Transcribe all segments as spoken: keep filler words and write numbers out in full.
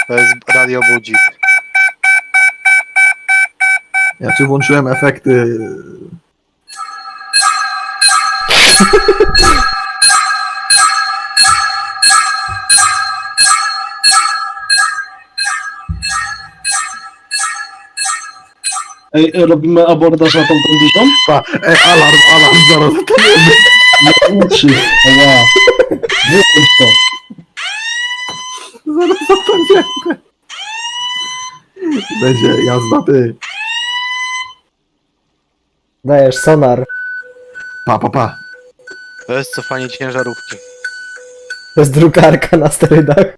To jest radio budzik. Ja czy włączyłem efekty... Ej, robimy abordaż na tą kondycją? Pa, e, alarm, alarm, zaraz zatoniemy. Nie uczy. Ła. Wyłącz to. Zaraz zatoniemy. Będzie jazda, ty. Dajesz sonar. Pa, pa, pa. To jest cofanie ciężarówki. To jest drukarka na sterydach.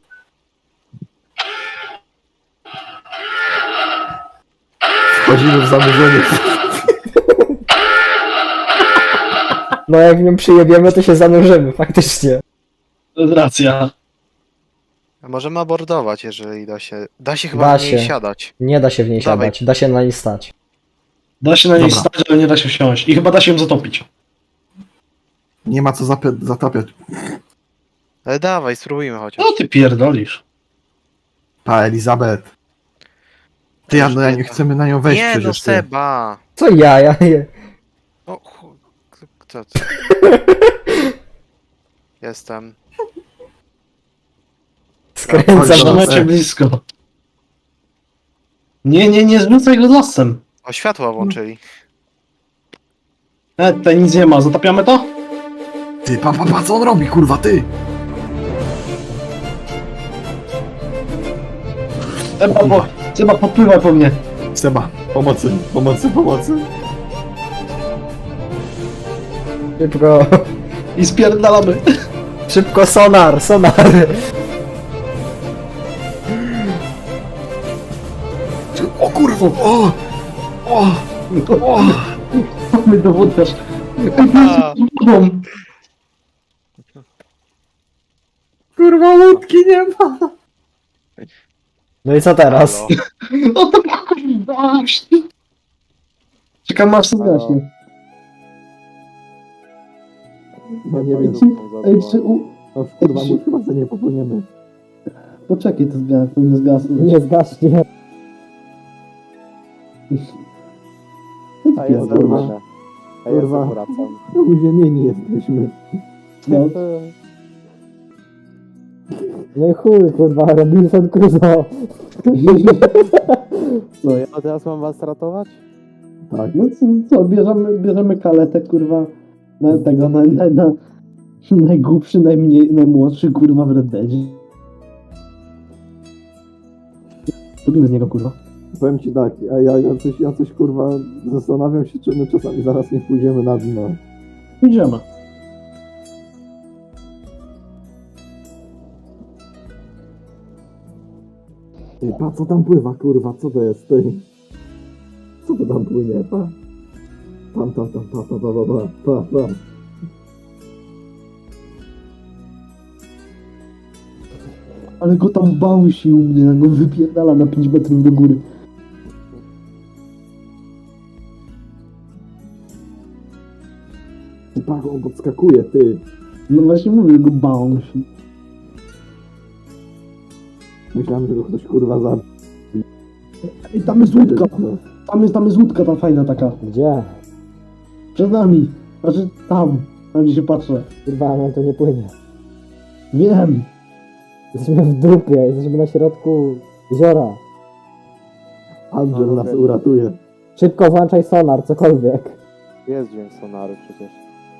Wchodzimy w zanurzenie. No jak w nią przyjebiemy, to się zanurzymy, faktycznie. To jest racja. A możemy abordować, jeżeli da się. Da się chyba Da w niej się. siadać. Nie da się w niej Dawaj. siadać, da się na niej stać. Da się na niej Dobra. stać, ale nie da się wsiąść. I chyba da się ją zatopić. Nie ma co zapia- zatapiać. Ale dawaj, spróbujmy chociaż. No ty pierdolisz. Pa, Elizabeth. Ty, ja, no, ja nie chcemy na nią wejść Nie no, przecież, ty. Seba! Co ja, ja je. O chuj. Kto to? Jestem. Skręcam. Dobra, Trzymajcie dobra. blisko. Nie, nie, nie zrzucaj go lasem. O, światła włączyli. E, tutaj nic nie ma. Zatapiamy to? Ty, pa, pa, pa, co on robi, kurwa, ty? Seba, po, Seba podpływaj po mnie. Seba, pomocy, pomocy, pomocy. Szybko, I spierdalamy. szybko sonar, sonar. O kurwa, o! O! O! Mamy dowódcarz. A, Wodą. Kurwa, łódki nie ma! No i co teraz? halo. No to kurwa. Czekam aż się zgaśnie. No nie wiem, Ej, czy u... no kurwa, my chyba sobie nie popłyniemy. Poczekaj, to zgas, powinno zgasnąć. Nie zgaśnie. A jest kurwa. A ja kurwa. Wracam. No uziemieni jesteśmy. No. No i chuj, kurwa, Robinson Crusoe. No ja teraz mam was ratować? Tak. No co, co bierzemy, bierzemy kaletę, kurwa, na tego, na, na, na najgłupszy, najmniej, najmłodszy, kurwa, w Red Deadzie. Robimy z niego, kurwa. Powiem ci tak, a ja, ja, coś, ja coś kurwa zastanawiam się, czy my czasami zaraz nie pójdziemy na dno. Idziemy. Ej, pa, co tam pływa, kurwa, co to jest, ty? Co to tam płynie, pa? Tam, tam, tam, pa, pa, pa, pa, pa, pa, pa. Ale go tam bałsi u mnie, go wypierdala na pięć metrów do góry. Ty, pa, on podskakuje, ty. No właśnie mówię, że go bałsi. Myślałem, że go ktoś kurwa zabił. Ej, tam jest łódka, tam jest, tam jest łódka ta fajna taka. Gdzie? Przed nami. Znaczy tam, tam gdzie się patrzę. Kurwa, nam to nie płynie. Wiem. Jesteśmy w dupie, jesteśmy na środku jeziora. Angel nas uratuje. Szybko włączaj sonar, cokolwiek. Jest dźwięk sonaru przecież.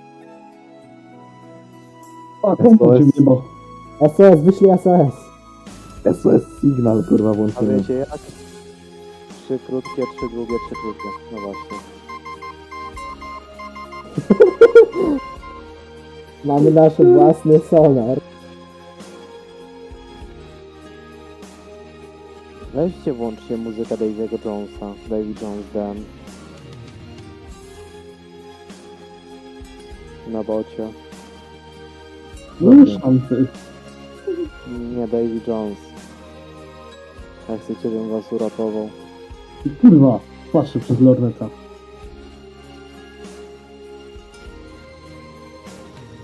A, komputer cię wjebał. S O S, wyślij S O S. S O S Signal, kurwa, A włączymy. wiecie jak? Trzy krótkie, trzy długie, trzy krótkie. No właśnie. Mamy nasz własny sonar. Weźcie, włączcie muzykę Davy'ego Jonesa. Davy Jones Dan. Na bocie. No już szansy. Nie, Davy Jones. Jak chcecie, bym was uratował. Kurwa, patrzę przez lorneta.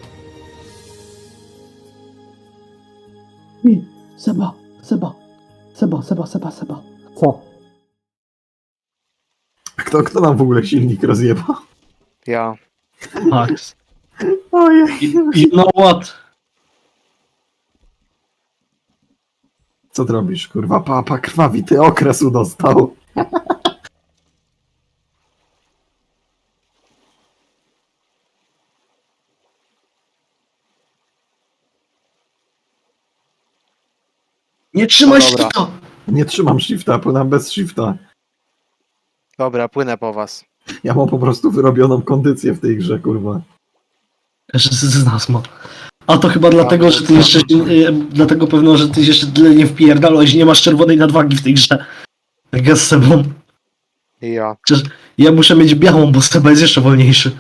I, Seba, Seba, Seba, Seba, Seba, Seba. Co? Kto, kto nam w ogóle silnik rozjebał? Ja. Max. Ojej. You know what? Co ty robisz, kurwa? Papa krwawity okresu dostał. Nie trzymaj No się dobra. to! Nie trzymam shifta, płynam bez shifta. Dobra, płynę po was. Ja mam po prostu wyrobioną kondycję w tej grze, kurwa. Każdy z nas ma. A to chyba dlatego, że ty jeszcze się, y, dlatego pewno, że ty jeszcze tyle nie wpierdalałeś, nie masz czerwonej nadwagi w tej grze. Tak ja z Sebą. I ja. Przecież ja muszę mieć białą, bo Seba jest jeszcze wolniejszy.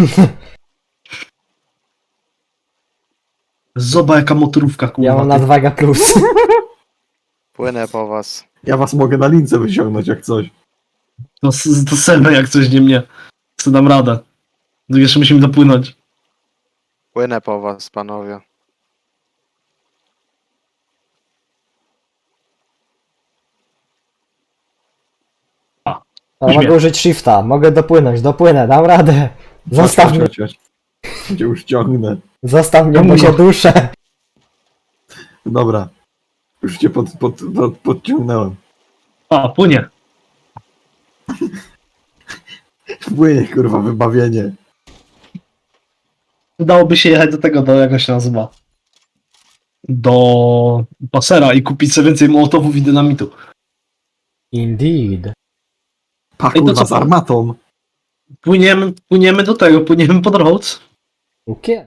Zobacz jaka motorówka, kurwa. Ja mam ty. nadwaga plus. Płynę po was. Ja was mogę na lince wyciągnąć jak coś. To, s- to Seba jak coś nie mnie. Co dam radę. No jeszcze musimy dopłynąć. Płynę po was, panowie. Ale mogę użyć shifta, mogę dopłynąć, dopłynę, dam radę. Zostaw Chodź, mnie, chodź, chodź. Cię już ciągnę. zostaw mnie, bo się duszę. Dobra. Już cię pod, pod, pod, podciągnąłem. A, płynie. Płynie, kurwa, wybawienie. Dałoby się jechać do tego, do jak on się nazywa. Do pasera i kupić sobie więcej mołotowów i dynamitu. Indeed. Pa, Ej, to kurwa, co- z armatą. Płyniemy, płyniemy do tego, płyniemy pod Rhodes. Ukie?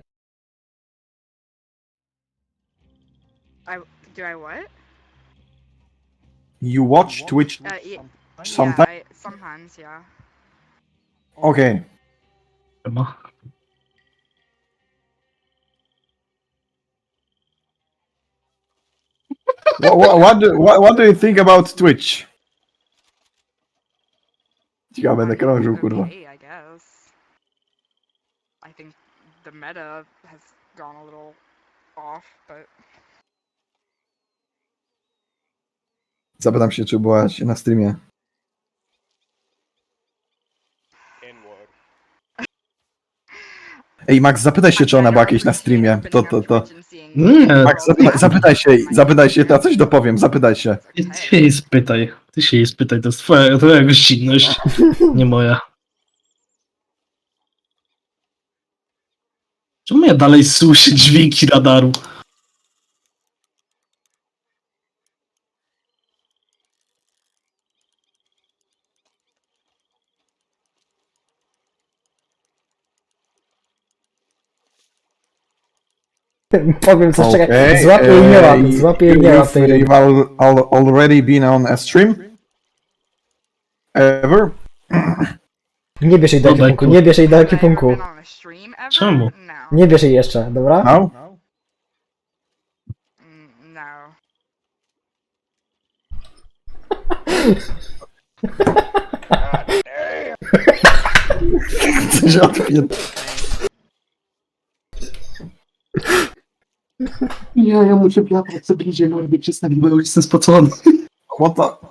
I do I what? You watch Twitch Uh, y- sometimes? yeah, I, sometimes, yeah. Okay. Chyba. What, what, what, do, what, what do you think about Twitch? Ciekawe, będę krążył, kurwa. Okay, I guess. I think the meta has gone a little off, but Zapytam się, czy byłaś na streamie. Ej, Max, zapytaj się, czy ona była jakieś na streamie. To, to, to. Nie, Max, zapytaj, zapytaj się, zapytaj się, ja coś dopowiem, zapytaj się. ty się jej spytaj. Ty się jej spytaj, to jest twoja, twoja gościnność, nie moja. Czemu ja dalej słyszę dźwięki radaru? Powiem coś, czekaj, Okay, złapię jej nie łap, uh, złapię jej nie łap you've, tej ryby. you've al- al- already been on a stream? Ever? Nie bierz jej do Dobra, ekipunku, tu. nie bierz jej do Have I ever ekipunku. been on a stream ever? Czemu? No. Nie bierz jej jeszcze, dobra? No? Mm, No. Coś odpięt. Nie, ja muszę wiatr sobie idzie, no jakby przestawił, bo ja już jestem spocony. What the...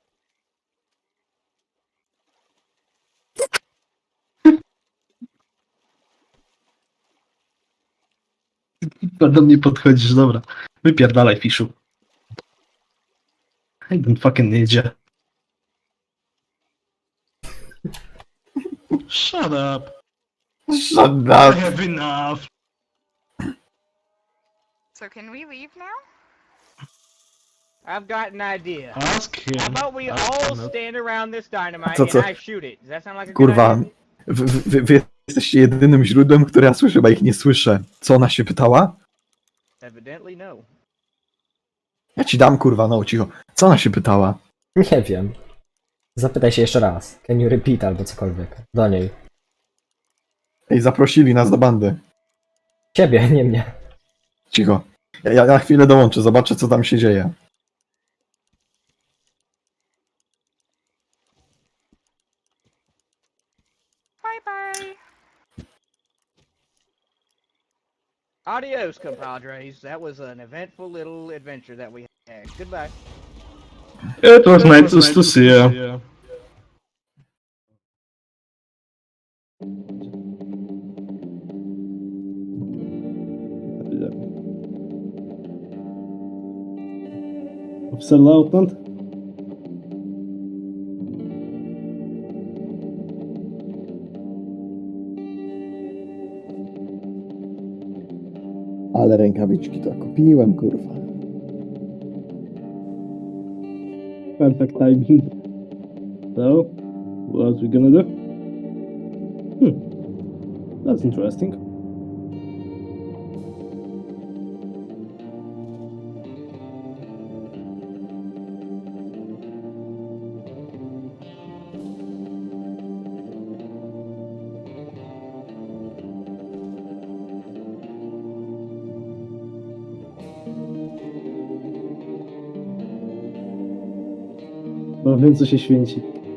Do mnie podchodzisz, dobra. Wypierdalaj, fiszu. I don't fucking jedzie. Shut up. Shut I up. have enough. So can we leave now? I've got an idea. Ask him. How about we Ask all him. stand around this dynamite Co, and co? I shoot it? Does that sound like a good Kurwa, idea? wy, wy, wy jesteście jedynym źródłem, które ja słyszę, bo ich nie słyszę. Co ona się pytała? Evidently no. Ja ci dam, kurwa, no cicho. Co ona się pytała? Nie wiem. Zapytaj się jeszcze raz. Can you repeat albo cokolwiek. Do niej. Ej, zaprosili nas do bandy. Ciebie, nie mnie. Cicho. Ja, ja na chwilę dołączę, zobaczę, co tam się dzieje. Bye bye. Adios, compadres. That was an eventful little adventure that we had. Goodbye. It was nice to see you. Officer Lieutenant? Ale rękawiczki to kupiłem, kurwa. Perfect timing. So, what we gonna do? Hmm. That's interesting. Bo wiem, co się święci.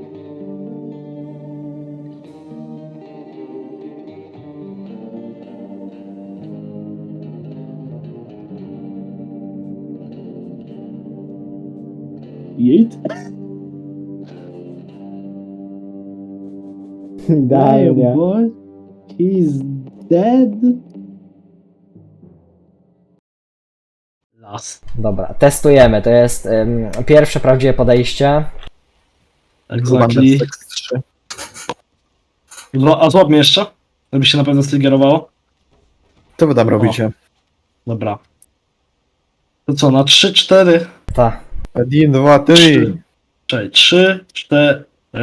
Jejt? Idealnie. boy. He's dead. Last. Dobra, testujemy. To jest ym, pierwsze prawdziwe podejście. Exactly. Zła- A złap mnie jeszcze, żeby się na pewno strygerowało. Co wy tam robicie? Dobra. To co, na trzy, cztery? Ta. Jeden, dwa, trzy. Czekaj, trzy, cztery.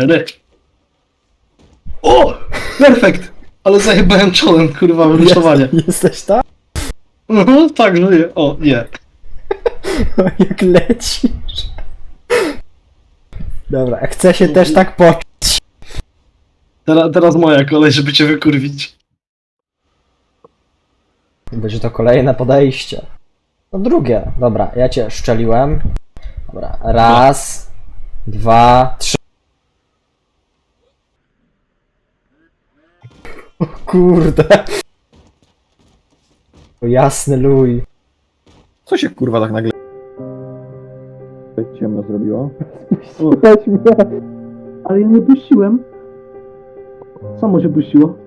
O! Perfekt! Ale zajebałem czołem, kurwa, wyruszowanie. Jesteś tam? Mhm, tak, żyję. O, nie. Jak lecisz. Dobra, chcę się też tak poczuć. Teraz, teraz moja kolej, żeby cię wykurwić. Będzie to kolejne podejście. No drugie. Dobra, ja cię szczeliłem. Dobra, raz, dwa, trzy. O kurde. O jasny luj. Co się kurwa tak nagle ciemno zrobiło? Ale ja nie puściłem. Samo się puściło.